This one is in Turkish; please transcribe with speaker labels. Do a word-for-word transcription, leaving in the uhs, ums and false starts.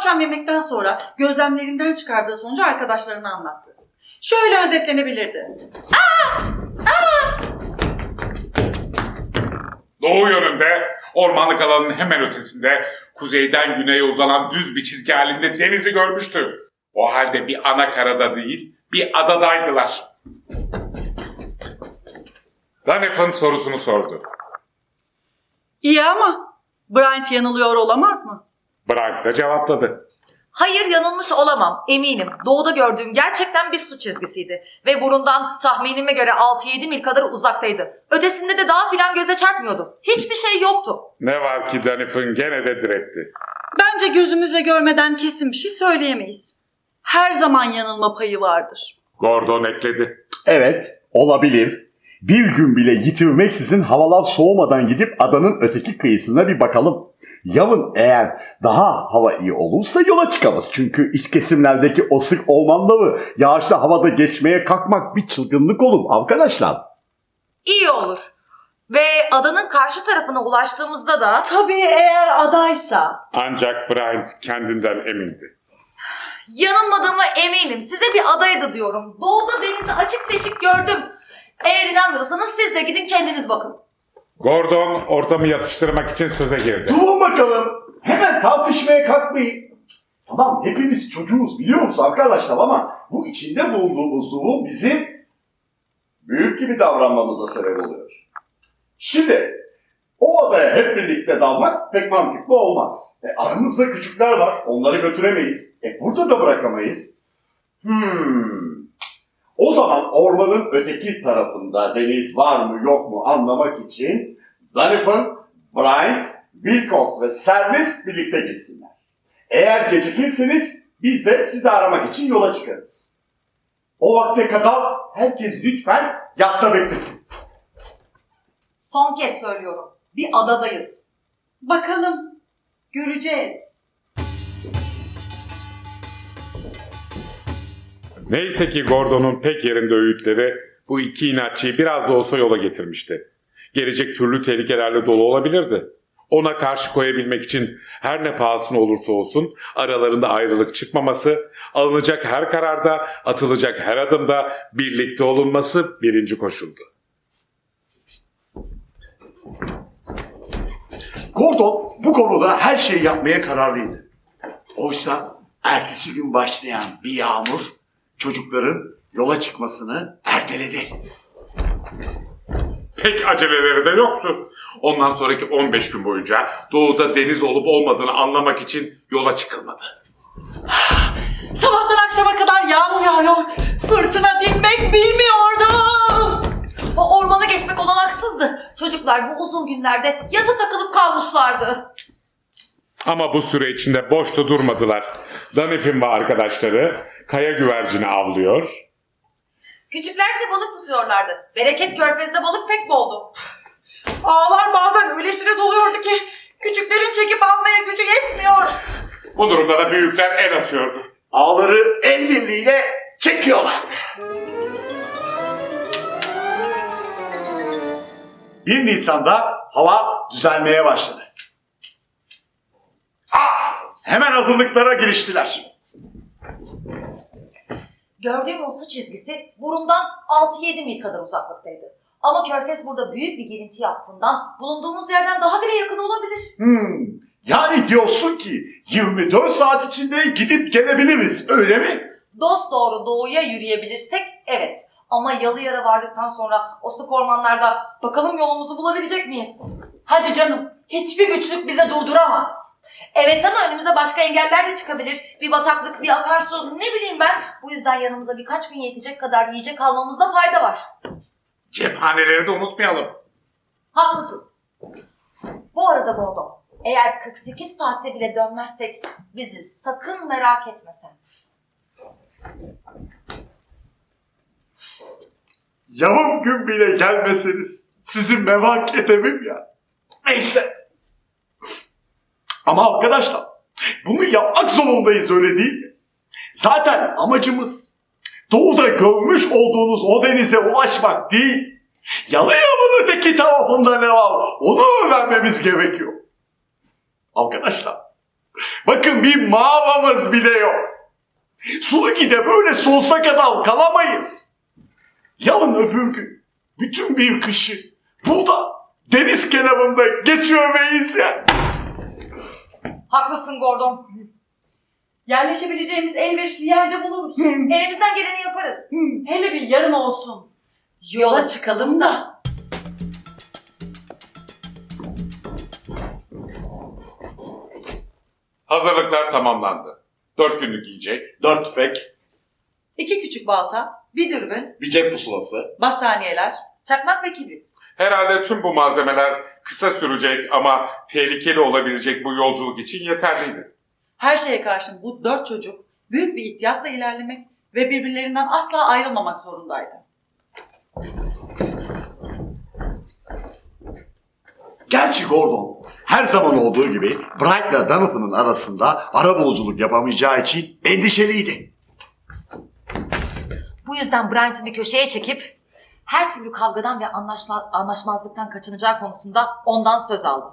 Speaker 1: akşam yemekten sonra gözlemlerinden çıkardığı sonucu arkadaşlarına anlattı. Şöyle özetlenebilirdi. Aa! Aa!
Speaker 2: Doğu yönünde, ormanlık alanın hemen ötesinde, kuzeyden güneye uzanan düz bir çizgi halinde denizi görmüştü. O halde bir ana karada değil, bir adadaydılar. Danef'in sorusunu sordu.
Speaker 1: İyi ama Bryant yanılıyor olamaz mı?
Speaker 2: Brian da cevapladı.
Speaker 3: Hayır, yanılmış olamam, eminim. Doğuda gördüğüm gerçekten bir su çizgisiydi. Ve burundan tahminime göre altı yedi mil kadar uzaktaydı. Ötesinde de dağ filan göze çarpmıyordu. Hiçbir şey yoktu.
Speaker 2: Ne var ki Danef'in gene de diretti.
Speaker 1: Bence gözümüzle görmeden kesin bir şey söyleyemeyiz. Her zaman yanılma payı vardır.
Speaker 2: Gordon ekledi.
Speaker 4: Evet, olabilir. Bir gün bile yitirmeksizin havalar soğumadan gidip adanın öteki kıyısına bir bakalım. Yarın eğer daha hava iyi olursa yola çıkarız. Çünkü iç kesimlerdeki o sık ormanları yağışlı havada geçmeye kalkmak bir çılgınlık olur arkadaşlar.
Speaker 3: İyi olur. Ve adanın karşı tarafına ulaştığımızda da...
Speaker 1: Tabii eğer adaysa.
Speaker 2: Ancak Brian kendinden emindi.
Speaker 3: Yanılmadığıma eminim. Size bir adaydı diyorum. Doğuda denizi açık seçik gördüm. Eğer inanmıyorsanız siz de gidin kendiniz bakın.
Speaker 2: Gordon ortamı yatıştırmak için söze girdi.
Speaker 4: Durun bakalım. Hemen tartışmaya kalkmayın. Tamam, hepimiz çocuğuz biliyoruz arkadaşlar ama bu içinde bulunduğumuz durum bizim büyük gibi davranmamıza sebep oluyor. Şimdi o adaya hep birlikte dalmak pek mantıklı olmaz. E, aramızda küçükler var, onları götüremeyiz. E burada da bırakamayız. Hmm. O zaman ormanın öteki tarafında deniz var mı yok mu anlamak için Donovan, Bryant, Wilcock ve Servis birlikte gitsinler. Eğer gecikirseniz biz de sizi aramak için yola çıkarız. O vakte kadar herkes lütfen yatta beklesin.
Speaker 3: Son kez söylüyorum. Bir adadayız.
Speaker 1: Bakalım, göreceğiz.
Speaker 2: Neyse ki Gordon'un pek yerinde öğütleri bu iki inatçıyı biraz da olsa yola getirmişti. Gelecek türlü tehlikelerle dolu olabilirdi. Ona karşı koyabilmek için her ne pahasına olursa olsun aralarında ayrılık çıkmaması, alınacak her kararda, atılacak her adımda birlikte olunması birinci koşuldu.
Speaker 4: Gordon bu konuda her şeyi yapmaya kararlıydı. Oysa ertesi gün başlayan bir yağmur çocukların yola çıkmasını erteledi.
Speaker 2: Pek aceleleri de yoktu. Ondan sonraki on beş gün boyunca doğuda deniz olup olmadığını anlamak için yola çıkılmadı.
Speaker 1: Sabahtan akşama kadar yağmur yağıyor. Fırtına dinmek bilmiyordu.
Speaker 3: O ormana geçmek olanaksızdı. Çocuklar bu uzun günlerde yata takılıp kalmışlardı.
Speaker 2: Ama bu süre içinde boşta durmadılar. Danef'in ve arkadaşları kaya güvercini avlıyor.
Speaker 3: Küçüklerse balık tutuyorlardı. Bereket Körfezi'nde balık pek boldu.
Speaker 1: Ağlar bazen öylesine doluyordu ki küçüklerin çekip almaya gücü yetmiyor.
Speaker 2: Bu durumda da büyükler el atıyordu.
Speaker 4: Ağları el birliğiyle çekiyorlardı. bir Nisan'da hava düzelmeye başladı. Ah! Hemen hazırlıklara giriştiler.
Speaker 3: Gördüğüm o su çizgisi burundan altı yedi mil kadar uzaklıktaydı. Ama Körfez burada büyük bir girinti yaptığından bulunduğumuz yerden daha bile yakın olabilir.
Speaker 4: Hmm, yani diyorsun ki yirmi dört saat içinde gidip gelebiliriz, öyle mi?
Speaker 3: Dosdoğru doğuya yürüyebilirsek evet. Ama Yalıyan'a vardıktan sonra o sık ormanlarda bakalım yolumuzu bulabilecek miyiz?
Speaker 1: Hadi canım, hiçbir güçlük bize durduramaz.
Speaker 3: Evet ama önümüze başka engeller de çıkabilir. Bir bataklık, bir akarsu, ne bileyim ben. Bu yüzden yanımıza birkaç gün yetecek kadar yiyecek almamızda fayda var.
Speaker 2: Cephaneleri de unutmayalım.
Speaker 3: Haklısın. Bu arada Gordon, eğer kırk sekiz saatte bile dönmezsek bizi sakın merak etme sen.
Speaker 4: Yarım gün bile gelmeseniz sizi merak edemem ya. Neyse. Ama arkadaşlar bunu yapmak zorundayız, öyle değil mi? Zaten amacımız doğuda görmüş olduğunuz o denize ulaşmak değil. Yalıyan'ın öteki tarafında ne var onu öğrenmemiz gerekiyor. Arkadaşlar Bakın bir mağaramız bile yok. Sulugi'de böyle sonsuza kadar kalamayız. Yarın öbür gün bütün bir kışı burada deniz kenarında geçirmeyiz ya.
Speaker 3: Haklısın Gordon.
Speaker 1: Yerleşebileceğimiz elverişli yerde buluruz.
Speaker 3: Elimizden geleni yaparız.
Speaker 1: Hele bir yarın olsun.
Speaker 3: Yola çıkalım da.
Speaker 2: Hazırlıklar tamamlandı. Dört günlük yiyecek,
Speaker 4: Dört tüfek,
Speaker 1: İki küçük balta,
Speaker 3: Bir dürbün,
Speaker 4: bir cep pusulası.
Speaker 1: battaniyeler.
Speaker 3: çakmak ve kibrit.
Speaker 2: herhalde tüm bu malzemeler kısa sürecek ama tehlikeli olabilecek bu yolculuk için yeterliydi.
Speaker 1: Her şeye karşın bu dört çocuk büyük bir ihtiyatla ilerlemek ve birbirlerinden asla ayrılmamak zorundaydı.
Speaker 4: Gerçi Gordon her zaman olduğu gibi Bright'la Donovan'ın arasında arabuluculuk yapamayacağı için endişeliydi.
Speaker 3: Bu yüzden Bryant'ı bir köşeye çekip her türlü kavgadan ve anlaşla- anlaşmazlıktan kaçınacağı konusunda ondan söz aldı.